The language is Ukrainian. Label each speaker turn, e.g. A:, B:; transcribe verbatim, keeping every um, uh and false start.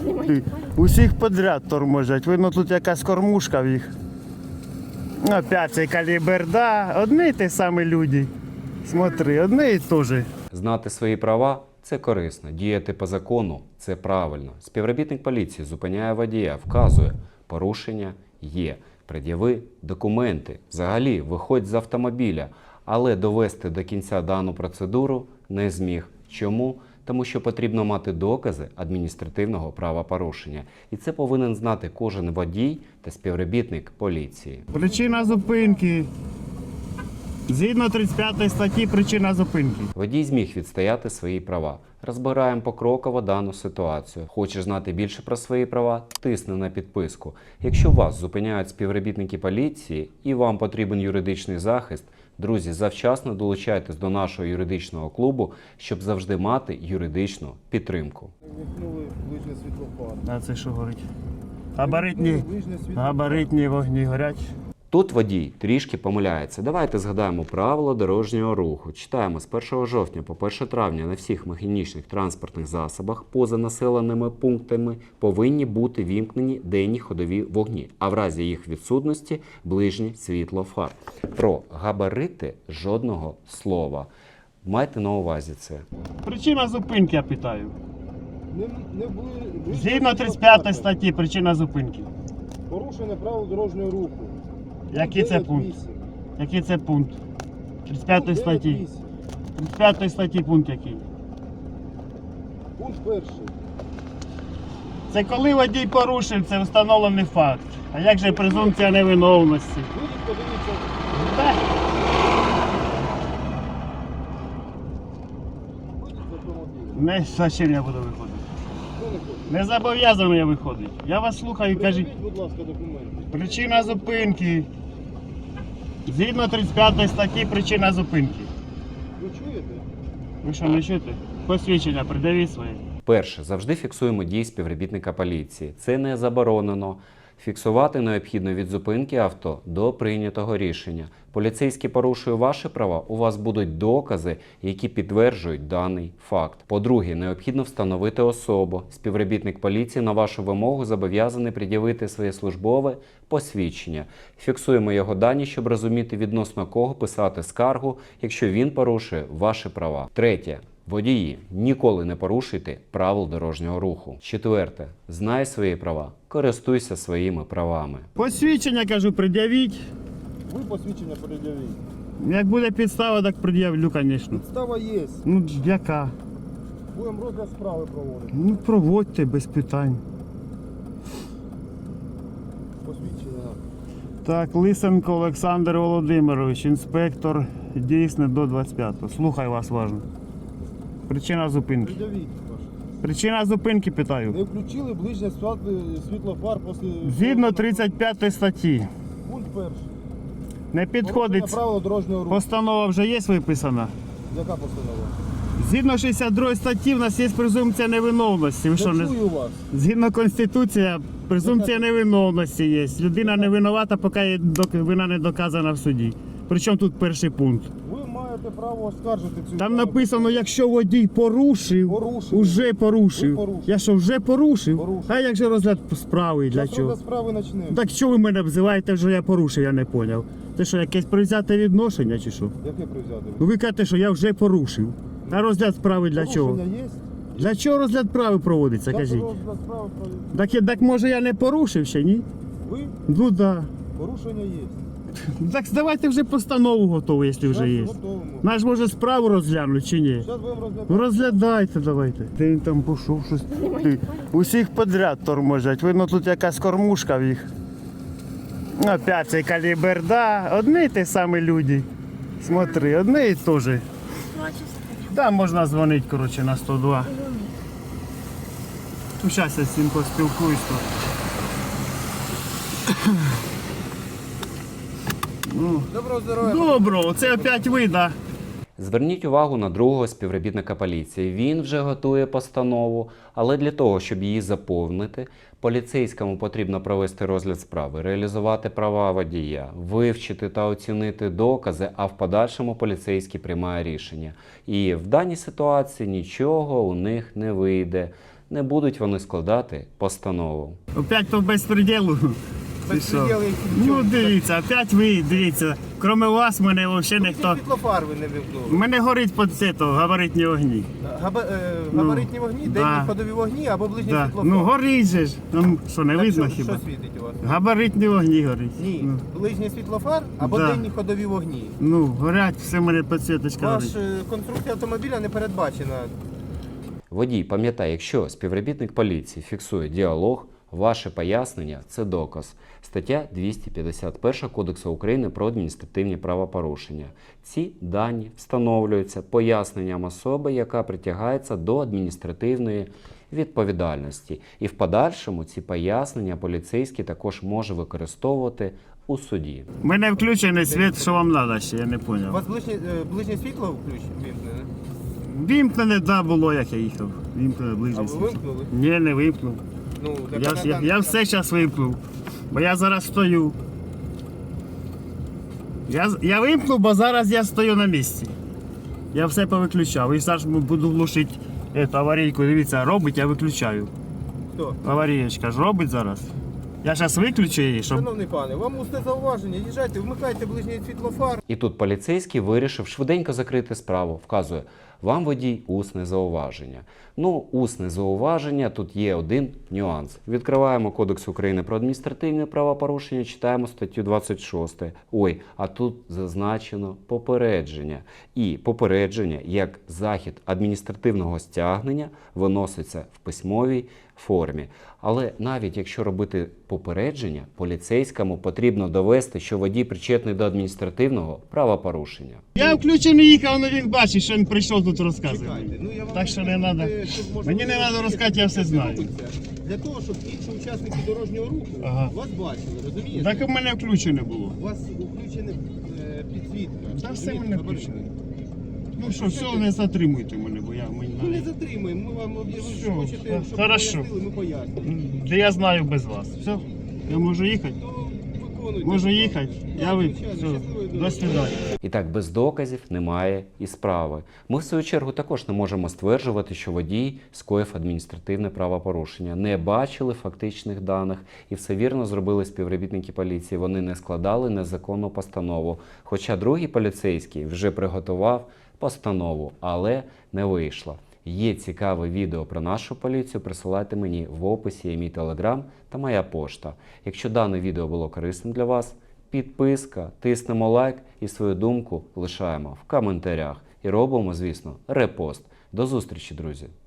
A: Усіх подряд торможать. Видно, тут якась кормушка в їх. Опять цей калібр, да. Одні й ті самі люди. Смотри, одні і те ж.
B: Знати свої права – це корисно. Діяти по закону – це правильно. Співробітник поліції зупиняє водія, вказує – порушення є. Пред'яви документи. Взагалі, виходь з автомобіля. Але довести до кінця дану процедуру не зміг. Чому? Тому що потрібно мати докази адміністративного правопорушення. І це повинен знати кожен водій та співробітник поліції.
A: Причина зупинки. Згідно тридцять п'ятої статті причина зупинки.
B: Водій зміг відстояти свої права. Розбираємо покроково дану ситуацію. Хочеш знати більше про свої права? Тисни на підписку. Якщо вас зупиняють співробітники поліції і вам потрібен юридичний захист, друзі, завчасно долучайтесь до нашого юридичного клубу, щоб завжди мати юридичну підтримку.
C: Вимкнули ближнє світлофар.
A: А це що горить? Габаритні, габаритні вогні горять.
B: Тут водій трішки помиляється. Давайте згадаємо правила дорожнього руху. Читаємо: з першого жовтня по перше травня на всіх механічних транспортних засобах поза населеними пунктами повинні бути вімкнені денні ходові вогні, а в разі їх відсутності – ближнє світло фар. Про габарити жодного слова. Майте на увазі це.
A: Причина зупинки, я питаю.
C: Не, не були,
A: Згідно тридцять п'ятої статті причина зупинки.
C: Порушення правил дорожнього руху.
A: Який це пункт? Який це пункт? тридцять п'ятої статті. тридцять п'ятої статті пункт який?
C: Пункт перший.
A: Це коли водій порушив, це встановлений факт. А як же презумпція невиновності?
C: Вийдіть, подивіться.
A: Так.
C: Вийдіть з автомобіля.
A: Не, за чим я буду виходити?
C: Що не хочете?
A: Не зобов'язаний я виходити. Я вас слухаю, кажіть.
C: Покажіть, будь ласка, документи.
A: Причина зупинки. Згідно тридцять п'ятої статті причина зупинки.
C: Ви чуєте?
A: Ви що, не чуєте? Посвідчення придавіть своє.
B: Перше, завжди фіксуємо дії співробітника поліції. Це не заборонено. Фіксувати необхідно від зупинки авто до прийнятого рішення. Поліцейський порушує ваші права, у вас будуть докази, які підтверджують даний факт. По-друге, необхідно встановити особу. Співробітник поліції на вашу вимогу зобов'язаний пред'явити своє службове посвідчення. Фіксуємо його дані, щоб розуміти, відносно кого писати скаргу, якщо він порушує ваші права. Третє. Водії, ніколи не порушуйте правил дорожнього руху. Четверте. Знай свої права. Користуйся своїми правами.
A: Посвідчення, кажу, пред'явіть.
C: Ви посвідчення пред'явіть.
A: Як буде підстава, так пред'явлю, звісно.
C: Підстава є.
A: Ну, яка?
C: Будемо розгляд справи проводити.
A: Ну, проводьте без питань.
C: Посвідчення.
A: Так, Лисенко Олександр Володимирович, інспектор, дійсне до двадцять п'ятого. Слухай вас уважно. Причина зупинки.
C: Пред'явіть. ваше.
A: Причина зупинки, питаю.
C: Не включили ближнє світло- світлофар після...
A: Згідно тридцять п'ятої статті.
C: Пункт перший.
A: Не підходить.
C: Порушення правил дорожнього руху.
A: Постанова вже є виписана.
C: Яка постанова?
A: Згідно шістдесят другої статті в нас є презумпція невиновності. Ви
C: Не
A: що, не...
C: чую вас.
A: Згідно Конституції, презумпція невиновності є. Людина не винувата, поки її док- вина не доказана в суді. Причому тут перший пункт.
C: Ви маєте право оскаржити цю
A: Там
C: справу.
A: написано, якщо водій порушив,
C: Порушив.
A: уже порушив.
C: Ви порушили.
A: Я що, вже порушив?
C: Порушив.
A: А як же розгляд справи, для
C: Зараз
A: чого?
C: розгляд справи почнемо.
A: Так що ви мене обзиваєте, що я порушив, я не зрозумів. Це що, якесь привзяте відношення чи що?
C: Яке привзяти?
A: Ну ви кажете, що я вже порушив. А розгляд справи для чого?
C: Порушення є?
A: Для чого розгляд справи проводиться,
C: Як
A: кажіть?
C: розгляд справи проводити?
A: Так, я- так може я не порушив ще, ні?
C: Ви?
A: Ну да.
C: Порушення є.
A: Так давайте вже постанову готову, якщо вже є.
C: Готовимо.
A: Наш може справу розглянути чи ні?
C: Зараз будемо розглядати.
A: Ну розглядайте давайте. Де він там пішов щось? Ти, усіх подряд торможать. Видно, тут якась кормушка в їх. Опять цей калібр, да. Одні й ті самі люди. Смотри, одні і те ж. Да, можна дзвонити, коротше, на сто два. Ну, зараз я з цим поспілкуюсь. то. Ну,
C: Доброго здоров'я.
A: добро, це опять ви, да?
B: Зверніть увагу на другого співробітника поліції. Він вже готує постанову, але для того, щоб її заповнити, поліцейському потрібно провести розгляд справи, реалізувати права водія, вивчити та оцінити докази, а в подальшому поліцейський приймає рішення. І в даній ситуації нічого у них не вийде. не будуть вони складати постанову.
A: Опять по безпреділу. Ти що?
C: Безпреділ, який
A: Ну
C: нічого.
A: дивіться, опять ви, дивіться. Крім вас, мене взагалі ніхто.
C: Світлофар ви не вимкнули.
A: У мене горить по це, то, габаритні вогні.
C: Габа, е, габаритні вогні,
A: да.
C: денні ходові вогні або ближній
A: Да.
C: світлофар.
A: Ну горить же ж. Ну, що, не
C: Так
A: видно
C: що,
A: хіба?
C: Що світить у вас?
A: Габаритні вогні горить.
C: Ні,
A: Ну,
C: ближній світлофар або
A: Да.
C: денні ходові вогні.
A: ну, горять, все в мене підсвіточка
C: Ваш
A: горить.
C: е, конструкція автомобіля не передбачена.
B: Водій пам'ятає, якщо співробітник поліції фіксує діалог, ваше пояснення – це доказ. Стаття двісті п'ятдесят один Кодексу України про адміністративні правопорушення. Ці дані встановлюються поясненням особи, яка притягається до адміністративної відповідальності. І в подальшому ці пояснення поліцейський також може використовувати у суді.
A: У мене включений світ, що вам треба ще, я не
C: У
A: зрозумів.
C: вас ближнє, е, ближнє світло включ- вимкнене?
A: Вімкнене, да, було, як я їхав. Вімкнене
C: А
A: ближнє
C: ви
A: світ.
C: вимкнули?
A: Ні, не вимкнув.
C: Ну, так
A: Я,
C: вона
A: ж- я,
C: там-
A: я все зараз вимкнув. Бо я зараз стою. Я, з- я вимкнув, бо зараз я стою на місці. Я все повиключав. І зараз буду глушити ету аварійку. Дивіться, робить, я виключаю.
C: Хто?
A: Аварієчка ж робить зараз. Я зараз виключу її, щоб.
C: Шановний пане, вам усне зауваження, їжджайте, вмикайте ближній світлофар.
B: І тут поліцейський вирішив швиденько закрити справу. Вказує, вам водій усне зауваження. Ну, усне зауваження, тут є один нюанс. Відкриваємо Кодекс України про адміністративне правопорушення, читаємо статтю двадцять шість. Ой, а тут зазначено попередження. І попередження, як захід адміністративного стягнення, виноситься в письмовій формі. Але навіть якщо робити попередження, поліцейському потрібно довести, що водій причетний до адміністративного правопорушення.
A: Я включений їхав, але він бачить, що він прийшов тут розказувати.
C: Чекайте, ну я вам
A: Так що не
C: скажу,
A: треба.
C: е, щоб, можливо,
A: Мені не треба
C: розуміти,
A: розказати, я все
C: як це
A: знаю.
C: робиться. Для того, щоб інші учасники дорожнього руху
A: Ага.
C: вас бачили, розумієте?
A: Так у мене включене було.
C: У вас включена е, підсвітка.
A: Та все
C: розумієте,
A: мене
C: габаритна.
A: включено. Ну що, все, не затримуйте мене, бо я мені
C: Ми не
A: навіть-
C: затримуємо, ми вам об'явили,
A: Все,
C: що хочете,
A: так,
C: щоб
A: хорошо.
C: пояснили, ми пояснимо.
A: Де я знаю без вас. Все, я можу їхати?
C: То виконуйте.
A: Можу
C: будь
A: їхати?
C: ласка.
A: Я
C: Так,
A: ви.
C: звичайно,
A: Все,
C: щасливої
A: до
C: дороги.
A: свидання.
B: І так, без доказів немає і справи. Ми, в свою чергу, також не можемо стверджувати, що водій скоїв адміністративне правопорушення. Не бачили фактичних даних і все вірно зробили співробітники поліції. Вони не складали незаконну постанову. Хоча другий поліцейський вже приготував постанову, але не вийшло. Є цікаве відео про нашу поліцію, присилайте мені в описі, є мій телеграм та моя пошта. Якщо дане відео було корисним для вас, підписка, тиснемо лайк і свою думку лишаємо в коментарях. І робимо, звісно, репост. До зустрічі, друзі!